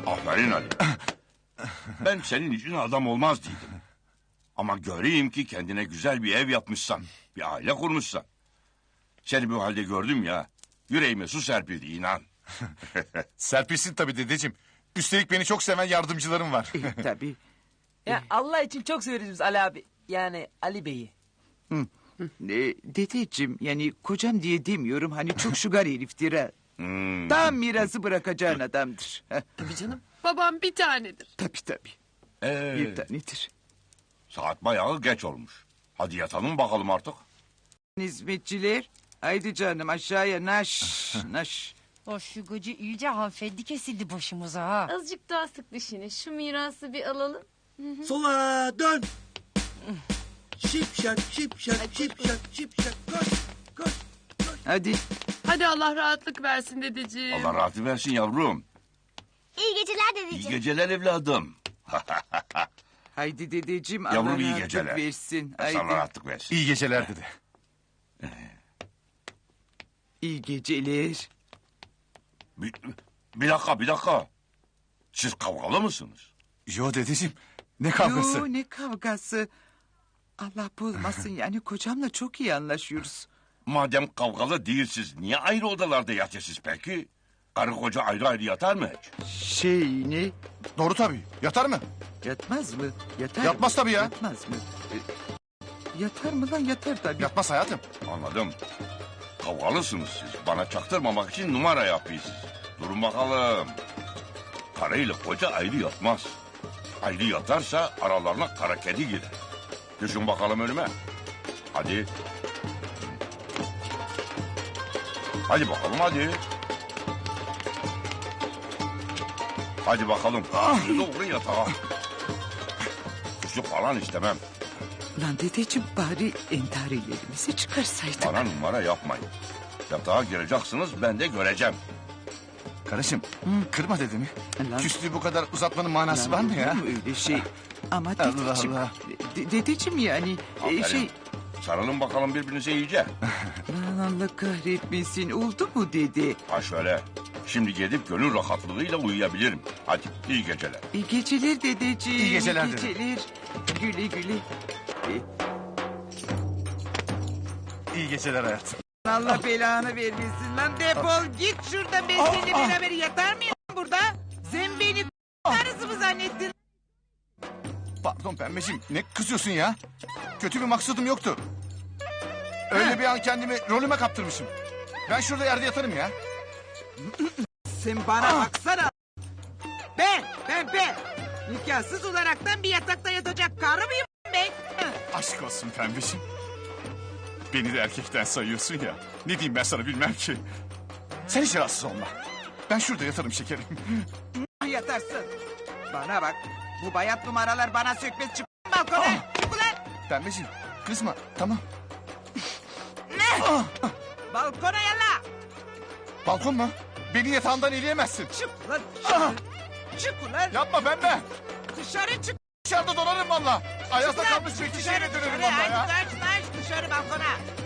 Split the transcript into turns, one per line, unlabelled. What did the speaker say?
Aferin Ali. Ben senin için adam olmaz dedim. Ama göreyim ki kendine güzel bir ev yapmışsan, bir aile kurmuşsan. Seni bu halde gördüm ya, yüreğime su serpildi inan.
Serpilsin tabii dedeciğim. Üstelik beni çok seven yardımcılarım var.
Tabii.
Ya Allah için çok severiz biz Ali abi. Yani Ali Bey'i.
Dedeciğim yani kocam diye demiyorum hani çok şugar heriftir ha. Tam mirası bırakacağın adamdır.
Tabii canım.
Babam bir tanedir.
Tabii. Bir tanedir.
Saat bayağı geç olmuş. Hadi yatalım bakalım artık.
Hizmetçiler haydi canım aşağıya naş.
O şu gıcı iyice hanımefendi kesildi başımıza ha.
Azıcık daha sık dişini. Şu mirası bir alalım.
Sola dön. Şipşak şipşak şipşak şipşak koş.
Hadi.
Hadi Allah rahatlık versin dedeciğim.
Allah rahatı versin yavrum.
İyi geceler
İyi
dedeciğim.
geceler evladım.
Haydi dedeciğim
Yavrum,
Allah
iyi
rahatlık
geceler.
versin.
Sana
Haydi.
rahatlık versin.
İyi geceler dede.
İyi geceler.
Bir dakika. Siz kavgalı mısınız?
Yo dedeciğim. Ne kavgası?
Yo ne kavgası. Allah bozmasın yani kocamla çok iyi anlaşıyoruz.
Madem kavgalı değilsiz, niye ayrı odalarda yatıyorsunuz peki? Karı koca ayrı yatar mı hiç?
Ne?
Doğru tabii. Yatar mı?
Yatmaz mı? Yatar
Yatmaz
mı?
tabii ya.
Yatmaz mı? Yatar mı lan yatar tabii.
Yatmaz hayatım.
Anladım. Kavgalısınız siz. Bana çaktırmamak için numara yapıyorsunuz. Durun bakalım. Karıyla koca ayrı yatmaz. Ayrı yatarsa aralarına kara kedi girer. Düşün bakalım önüme. Hadi. Hadi bakalım hadi. Hadi bakalım. Doğru yatağa. Küçük falan istemem.
Lan dedeciğim bari entarilerimizi çıkarsaydık.
Bana numara yapmayın. Yatağa gireceksiniz, ben de göreceğim.
Karışım kırma dedemi.
Lan-
Küslüğü bu kadar uzatmanın manası
Lan
var mı
olur
ya?
mu öyle şey? Ama
Allah
dedeciğim,
Allah.
Dedeciğim yani
Aferin. Sarılın bakalım birbirinize iyice.
Lan Allah kahretmesin oldu mu dedi.
Ha şöyle. Şimdi gidip gönül rahatlığıyla uyuyabilirim. Hadi iyi geceler.
İyi geceler dedeciğim.
İyi geceler
İyi
dede.
geceler. Güle güle.
İyi geceler hayatım.
Allah belanı vermesin lan defol git şuradan ben seninle beraber yatar mıyım burada? Sen beni karısı mı zannettin?
Pardon pembeciğim ne kızıyorsun ya? Kötü bir maksadım yoktu. Öyle bir an kendimi rolüme kaptırmışım. Ben şurada yerde yatarım ya.
Sen bana baksana. Ben. Nikahsız olaraktan bir yatakta yatacak karı mıyım ben?
Aşk olsun pembeciğim. Beni de erkekten sayıyorsun ya. Ne diyeyim ben sana bilmem ki. Sen hiç rahatsız olma. Ben şurada yatarım şekerim.
Yatarsın. Bana bak. Bu bayat numaralar bana sökmez çık balkona. Çık ulan.
Pembeciğim kızma tamam.
Balkona yalla.
Balkon mu? Beni yatağımdan eleyemezsin.
Çık ulan dışarı. Çık ulan.
Yapma pembe.
Dışarı çık.
Dışarıda donarım valla. Ayazda
Çık lan.
kalmış bir
Dışarı,
kişiyle dönerim
dışarı.
valla ya.
Hadi dışarı balkona.